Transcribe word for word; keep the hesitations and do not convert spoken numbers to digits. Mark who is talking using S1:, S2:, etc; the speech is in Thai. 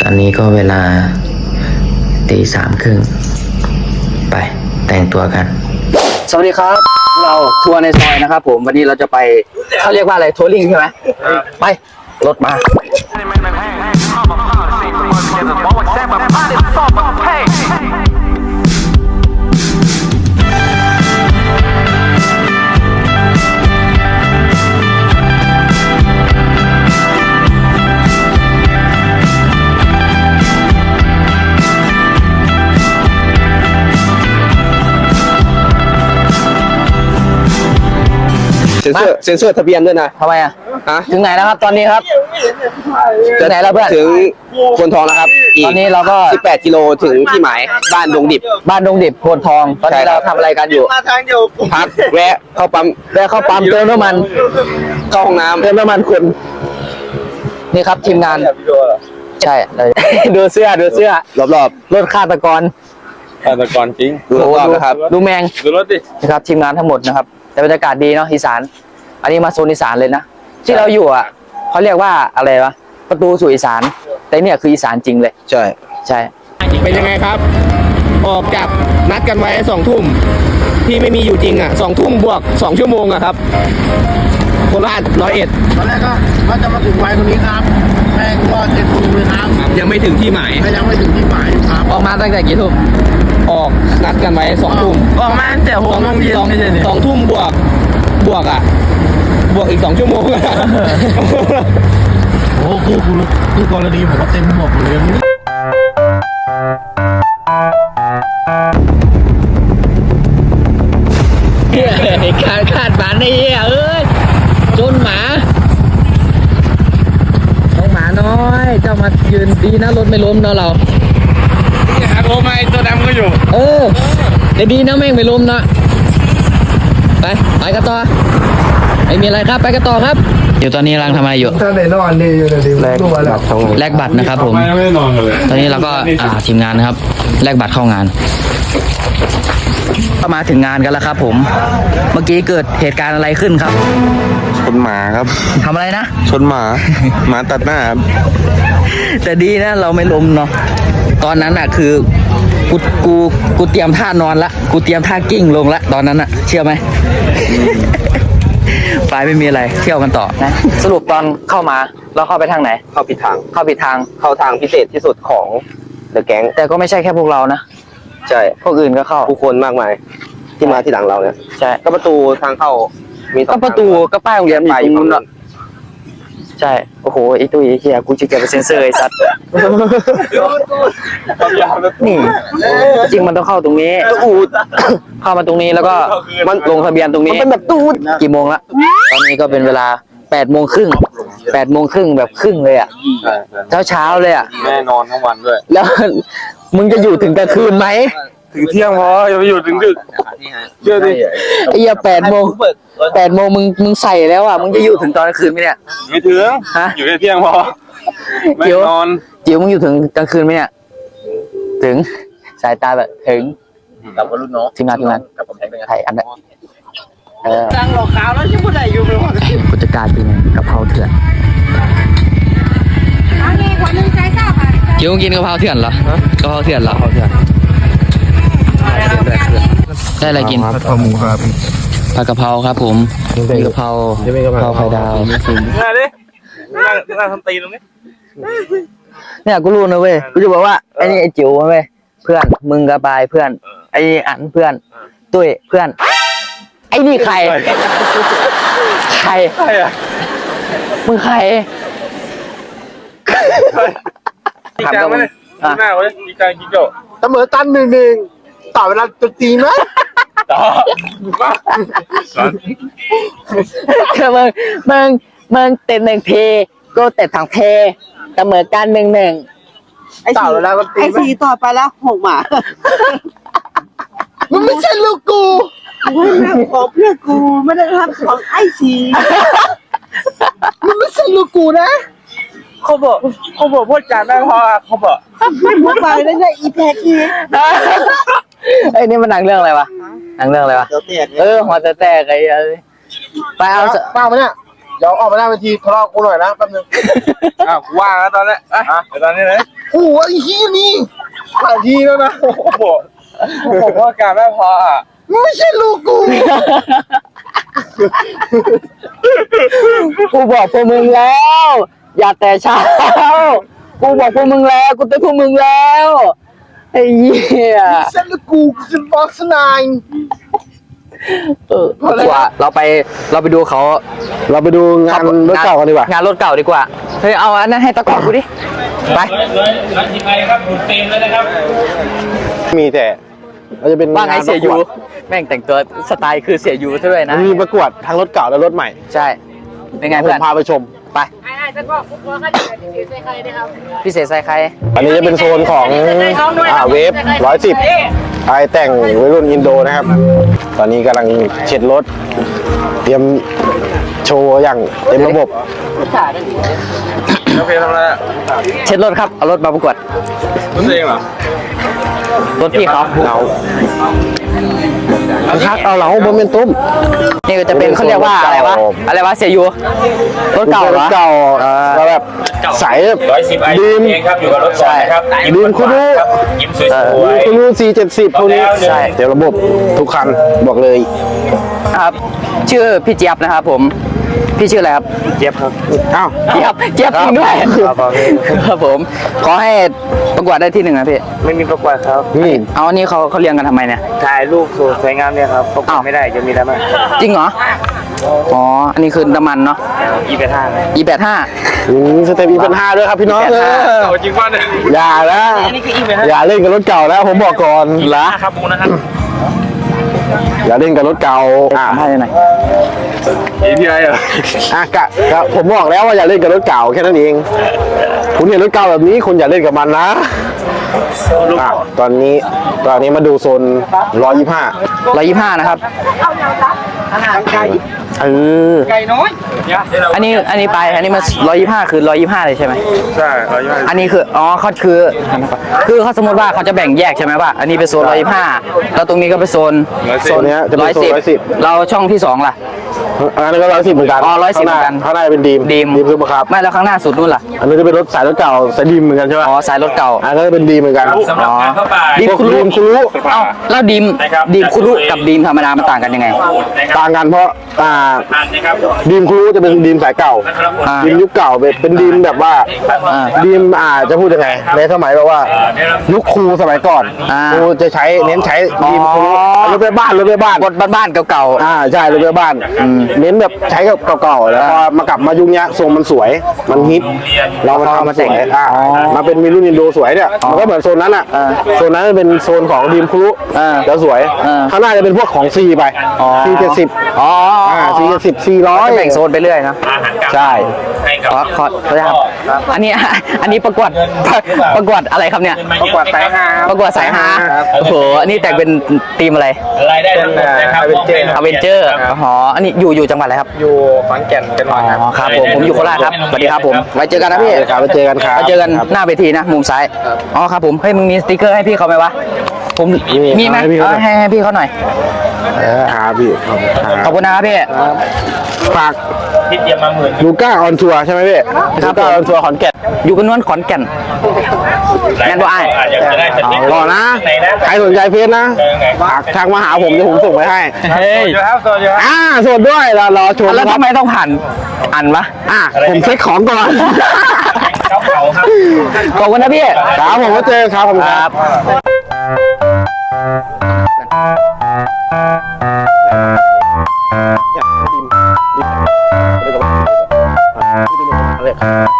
S1: อนนี้ก็เวลาตีสามครึ่งไปแต่งตัวกันสวัสดีครับเราทัวร์ในซอยนะครับผมวันนี้เราจะไปเขาเรียกว่าอะไรทัวริงใช่ไหมไปรถมา
S2: เซ็นเซอร์เซ็นเซอร์ทะเบียนด้วยนะ
S1: ทำไมอ่ะ
S2: ฮะ
S1: ถึงไหนแล้วครับตอนนี้ครับถึงไหนแล้วเพื่อน
S2: ถึงโพนทองแล้วครับ
S1: ตอนนี้เราก็
S2: สิบแปดกิโลถึงที่หมายบ้านดงดิบ
S1: บ้านดงดิบโพนทองตอนนี้เราทำอะไรกันอยู่
S2: พักแวะเข้าปั๊ม
S1: แวะเข้าปั๊มเติมน้ำมัน
S2: เข้าห้องน้ำ
S1: เติมน้ำมันคุณนี่ครับทีมงานใช่เลยดูเสื้อดูเสื้อ
S2: รอบ
S1: รถฆาตกร
S3: ฆาตกรจริง
S2: ๆดูรอบๆนะครับ
S1: ดูแมง
S3: ดูรถดิ
S1: นะครับทีมงานทั้งหมดนะครับแต่บรรยากาศดีเนาะอีสานอันนี้มาโซนอีสานเลยนะที่เราอยู่อ่ะเขาเรียกว่าอะไรวะประตูสู่อีสานแต่เนี่ยคืออีสานจริงเลย
S2: ใช่
S1: ใช่
S4: เป็นยังไงครับออกจากนัดกันไว้สองทุ่มที่ไม่มีอยู่จริงอ่ะสองทุ่มบวกสองชั่วโมงอะครับโคราชร้อยเอ็ด
S5: ตอนแรกก็ว่าจะมาถึงไวตรงนี้ครับแม่งก็เจ็ดทุ่มเลยครับ
S4: ยังไม่ถึงที่หมาย
S5: ไม่ยังไม่ถึงที่หมายครับ
S4: ออกมาตั้งแต่กี่ทุ่มออกนัดกันไว้สองทุ่ม
S5: ออกมาตั้งแต่หกโมงเย็นไม่ใช่เนี่ย
S4: สองทุ่มบวกบวกอ่ะบวกอีกสองชั่วโมง
S5: โอ้คู่คู่คู่กรณีผมว่าเต็มหมดเลย
S1: นี่การคาดฝันไอ้เหี้ยเอ้ยจนหมาน้องหมาน้อยเจ้ามายืนดีนะรถไม่ล้มเนาะเรา
S3: หาโทรมาไอ้ตัวดำก็อยู่
S1: เออแต่ดีนะแม่งไม่ล้มนะไปไปกันต่อไม่มีอะไรครับไปกันต่อครับเดี๋ยวตอนนี้กำลังทำอะไรอยู่
S5: ถ้าในนอนนี่อยู่ในดิวตัวแล้ว
S1: แลกบัตรนะครับผม
S3: ไม่ได้นอนกันเลย
S1: ตอนนี้เราก็อ่าทีมงานนะครับแลกบัตรเข้างานก็มาถึงงานกันแล้วครับผมเมื่อกี้เกิดเหตุการณ์อะไรขึ้นครับ
S2: ชนหมาครับ
S1: ทำอะไรนะ
S2: ชนหมาหมาตัดหน้าครับ
S1: แต่ดีนะเราไม่ล้มเนาะตอนนั้นอ่ะคือกูกูกูเตรียมท่านอนละกูเตรียมท่ากิ้งลงละตอนนั้นอ่ะเชื่อไหมไปไม่มีอะไรเที่ยวกันต่อนะสรุปตอนเข้ามาเราเข้าไปทางไหน
S2: เข้าผิดทาง
S1: เข้าผิดทาง
S2: เข้าทางพิเศษที่สุดของเดอะแก๊ง
S1: แต่ก็ไม่ใช่แค่พวกเรานะ
S2: ใช่
S1: พวกอื่นก็เข้า
S2: ผู้คนมากมายที่มาที่หลังเราเนี่ย
S1: ใช่
S2: ก็ประตูทางเข้ามี
S1: ก็ประตูก็ป้ายโรงเรียนไปอยู่นู้นละใช่โอ้โหไอ้ตุ้ยไอ้เหี้ยกูจะเก็บไปเซ็นเซอร์ไอ้สัตว์นี่จริงมันต้องเข้าตรงนี้อูดเข้ามาตรงนี้แล้วก็มันลงทะเบียนตรงนี้
S2: มันเป็นแบบตูด
S1: กี่โมงละตอนนี้ก็เป็นเวลาแปดโมงครึ่งแปดโมงครึ่งแบบครึ่งเลยอ่ะเช้าเช้าเลยอ่ะ
S3: แม่นอนทั้งวันด้วย
S1: แล้วมึงจะอยู่ถึงกลางคืนไหม
S3: ถึงเที่ยงพออย่าไปอยู่ถึงดึกเชื่อดิ
S1: ไอ้เหี้ยแปดโมงแปดโมงมึงมึงใส่แล้วอ่ะมึงจะอยู่ถึงตอนกลางคืนไหมเนี่ย
S3: ไม่ถึงฮะอยู่แค่เที่ยงพอไม่นอน
S1: จิ๋วมึงอยู่ถึงกลางคืนไหมเนี่ยถึงสายตาแบบถึงกับรุ่นน้องทีมงานทีมงานกับผมไทยอันนั้นเออ
S5: ดังหลอกขาวแล้วยังไม่ได้อยู่เลยว่า
S1: ผู้จัดการเป็นกะเพราเถื่อนจิ๋วกินกะเพราเถื่อนเหรอกะเพราเถื่อนเหรอกะเพราเถื่อนได้อะไรกิน
S5: ผัดกะเพราหมูครับ
S1: ผัดกะเพราครับผมมีกะเพรากะเพราไข่ดาว
S3: มาดินั่งนั่งทำตีนตรงนี้
S1: เนี่ยกูรู้นะเว้ยกูจะบอกว่าไอ้นี่ไอ้จิ๋วเว้ยเพื่อนมึงกระบายเพื่อนไอ้อันเพื่อนตุ้ยเพื่อนไอ้นี่ใครใคร
S3: ใครอ่ะ
S1: มึงใคร
S3: จริงจังไหมเนี่ยดีมากเลยจริงจังจริงโจ้
S5: เสมอตันหนึ่งหนึ่งต่อเวลาจะตีไหม
S3: ต่อมา
S1: คือมึงมึงมึงเตะหนึ่งทีก็เตะสองทีเสมอกันหนึ่งหนึ่ง
S5: ต่อเวลาก็ตีไหมไอ้สีต่อไปแล้วหกหมามันไม่ใช่ลูกกูขอเพื่อกูไม่ได้รับของไอ้สีมันไม่ใช่ลูกกูนะ
S3: เขาบอกเขาบอกพูดจาไม่พอเขาบอก
S5: ไม่พูดไปได้ไงอีแพกี
S1: ไอ้นี่มันหนังเรื่องอะไรวะหนังเรื่องอะไรวะเออหัวจะแตกไอ้ไปเอา
S5: เปล่าไหมเนี่ยเดี๋ยวออกมาหน้าเวทีทะเลาะกูหน่อยนะแป๊บนึง
S3: อ้าวว่างแล้วตอนนี้อ่ะเดี๋ยวตอนนี้เลย
S5: โอ้โหไอ้เฮียนี่หลายทีแล้วนะ
S3: บอกผมว่าการไม่พออ่ะ
S5: ไม่ใช่ลูกกู
S1: กูบอกพวกมึงแล้ว อย่าแต่เช้า กูบอกพวกมึงแล้ว กูเตือนพวกมึงแล้วไอ้เหี้ย
S5: ไม่ใช่ลูกกูกูจะบอกสนาย
S1: เออดีกว่าเราไปเราไปดูเขา
S2: เราไปดูงานรถเก่ากันดีกว่า
S1: งานรถเก่าดีกว่าเฮ้ยเอาอันนั้นให้ตะกอนกูดิไป
S3: ร้านทีมไอครับหุ่นเต็มเลยนะครับ
S2: มีแต่เราจะเป็น
S1: ว่าไง
S2: งาน
S1: เสีย
S2: ประก
S1: ยู
S2: วด
S1: แม่งแต่งตัวสไตล์คือเสียยูซะด้วยนะ
S2: มีประกวดทั้งรถเก่าและรถใหม่
S1: ใช่เป็นไง
S2: ผ
S1: เพื่อ
S2: ม
S1: น
S2: พาไปชม
S1: ไป
S6: ไอ้ๆจะบอกคุณพ่อเขาจะเป็นพิเศษใครนะครับ
S1: พิเศษใส่ใคร
S2: อันนี้จะเป็นโซนของอ่าเวฟร้อยสิบไอแต่งวัยรุ่นอินโดนะครับ ตอนนี้กำลังเช็ดรถ เตรียมโชว์อย่างเต็มระบบ
S3: โอเคทำอะไรอ่ะ
S1: เช็ดรถครับเอารถมาประกวด
S3: รถตัวเองเหรอ
S1: รถพี่เขา
S2: เราคักเอาเหลาบนเป็นตุ้ม
S1: นี่ก็จะเป็นเขาเรียกว่าอะไรวะอะไรวะเสียยูรถเก่าร เหร
S2: ถ
S1: อ
S2: เก่าแล้วแบบใส
S3: ร้อยสิบไอ
S2: ดีม
S3: เองครับอยู่กับรถก่อนนะครับ
S2: ดีมคุรุ
S3: ยิ้มสวย
S2: ดีมคุรุสี่เจ็ดสิบพวกนี้ใช่เต็มระบบทุกคันบอกเลย
S1: ครับชื่อพี่เจี๊ยบนะครับผมพี่ชื่ออะไรครับ
S2: เจี๊ยบครับอ้าว
S1: เจี๊ยบเจี๊ยบจริงด้วย
S2: ครับผม
S1: ครับผมขอให้ประกวดได้ที่หนึ่งนะพี่
S3: ไม่มีประกวดครับ
S2: นี่
S1: เอาอันนี้เขาเขาเรียงกันทำไมเนี่ย
S3: ถ่ายรูปสวยงามเนี่ยครับประกวดไม่ได้จะมีดราม่า
S1: จริงเหรออ๋ออันนี้คือน้ำมันเนาะ
S3: อีเป็นห้า
S1: อีแปดห้า
S2: อืมสเต็ปอีเป็นห้าด้วยครับพี่น้อง
S1: อี
S2: เอ
S1: เป็นห้า
S2: อ
S3: โอ้จริงป่ะเนี่ย
S2: อย่านะอย่าเล่นกับรถเก่าแล้วผมบอกก่อน
S1: เหรอ
S3: ครับผมนะครับ
S2: อย่าเล่นกับรถเก่าอ่ะ
S1: ให้หน่อย
S3: เอพีไอเหรอ
S2: อ่ะกะกะผมบอกแล้วว่าอย่าเล่นกับรถเก่าแค่นั้นเองคุณเห็นรถเก่าแบบนี้คุณอย่าเล่นกับมันนะอ่ะตอนนี้ตอนนี้มาดูโซนร้อยยี่ห้า
S1: ร้อยยี่ห้านะครับเออ
S5: ไก่น้อย
S1: อันนี้อันนี้ไปอันนี้มันร้อยยี่ห้าคือร้อยยี่ห้าเลยใช่ไหม
S3: ใช่ร้อยยี่สิบ
S1: อันนี้คืออ๋อเขาคือคือเขาสมมติว่าเขาจะแบ่งแยกใช่ไหมว่าอันนี้เป็นโซนร้อยยี่ห้าแล้วตรงนี้ก็เป็นโซน
S2: โซนเนี้ยจะเป็นโซนร้อยสิบ
S1: เราช่องที่สองล่ะ
S2: อันนั้นก็ร้อยสิบเหมือนกัน
S1: อ๋อร้อยสิบเหมือนกัน
S2: ข้างหน้าเป็นดีม
S1: ดีม
S2: ดีมคือบังคับ
S1: ไม่แล้วข้างหน้าสุดนู่นล่ะ
S2: อันนี้จะเป็นรถสายรถเก่าสายดีมเหมือนกันใช่ไหม
S1: อ๋อสายรถเก่า
S2: อันนั้นก็เป็นดีมเหมือนกัน
S3: สำหรับการเข้าป่า
S1: ดีมคุรุ
S2: ดีมคุรุ
S1: เอ้าแล้วดีมดีมคุรุกับดีมธรรมดามันต่างกันยังไง
S2: ต่างกันเพราะอ่า
S3: อันนะครับ
S2: ดีมคุรุจะเป็นดีมสายเก่า
S1: อ่า
S2: ดีมยุคเก่าเป็นเป็นดีมแบบว่า
S1: อ่า
S2: ดีมอ่าจะพูดยังไงในสมัยแบบว่ายุคครูสมัยก่อน
S1: อ่า
S2: ครูจะใช้เน้นใช้ดีมคุรุ
S1: อ๋อ
S2: รถไปบ้านรถไปบ้าน
S1: รถบ้านๆเก่า
S2: อ่าใช่รถไปบ้านเน้นแบบใช้กับเก่าๆแล้วพอมากลับมายุคเนี้ยทรงมันสวย มันฮิตเรามาทำมาสวยอ่ามาเป็นมีรุ่นอินโดสวยเนี่ยมันก็เหมือนโซนนั้นอ่ะโซนนั้นเป็นโซนของดีมคุรุ
S1: ๆอ่า
S2: จะสวย
S1: อ่า
S2: ข้างหน้าจะเป็นพวกของซีไป
S1: อ๋อ
S2: ซีเจ็ดสิบ
S1: อ๋อ
S2: อ่าซีเจ็ดสิบซีร้อย
S1: จะแบ่งโซนไปเรื่อยนะ
S2: ใช่
S3: ให้กับ
S1: ขอขอขออนุญาตครับอันนี้ อันนี้ประกวดประกวดอะไรครับเนี่ย
S3: ประกวดสายฮา
S1: ประกวดสายฮาโอ้โหอันนี้แต่งเป็นทีมอะไร
S3: รายได้ทั้งหมดนะครับ
S1: อเวนเจอร์อ๋ออันนี้อยู่อยู่จังหวัดอะไรครับ
S3: อยู่ขอนแก่นกันหน่อยครับ
S1: อ๋อครับผมผมอยู่โคราชครับสวัสดีครับผมไว้เจอกันนะพี่
S2: ครับไปเจอกันครับ
S1: ไว้เจอกันหน้าเวทีนะมุมซ้ายอ๋อครับผมเฮ้ยมึงมีสติกเกอร์ให้พี่เขาไหมวะผม
S2: มี
S1: มีไหม
S2: ให้พี่เขาหน่อย
S1: เอาให้ให้พี่เขาหน่อย
S2: ครับพี่ขอบคุณครับ
S1: ขอบคุณนะครับพี่
S2: ฝาก
S3: ที่เตรียมมาหมื่น
S2: ลูก้าออนทัวร์ใช่ไหมพี่
S1: ครั
S2: ลู
S1: บ
S2: ก้าออนทัวร์ขอนแก่น
S1: อยู่กันนวลขอนแก่นแม่นบ่อ้าย
S3: อยากจะได้สติ๊กเกอร์
S2: รอนะ
S3: ไหนนะ
S2: ใครสนใจเพจนะ
S3: เจอไง
S2: ฝากทางมาหาผมเดี๋ยวผมส่งไปให้
S1: เฮ้ย
S3: อยู่ครับโซนอยู่ครับ
S2: อ่าสดด้วยรอรอชม
S1: แล้ว
S2: ครับ
S1: ทำไมต้องผ่านอันวะ
S2: อ่ะผมเช็คของก่อน
S3: เก้าเขาครับ
S1: ขอบคุณนะพี่
S2: ครับผมก็เจอครับผม
S1: ค
S2: ค
S1: รั
S2: รั
S1: บบ
S2: เนี่ยดิมดิม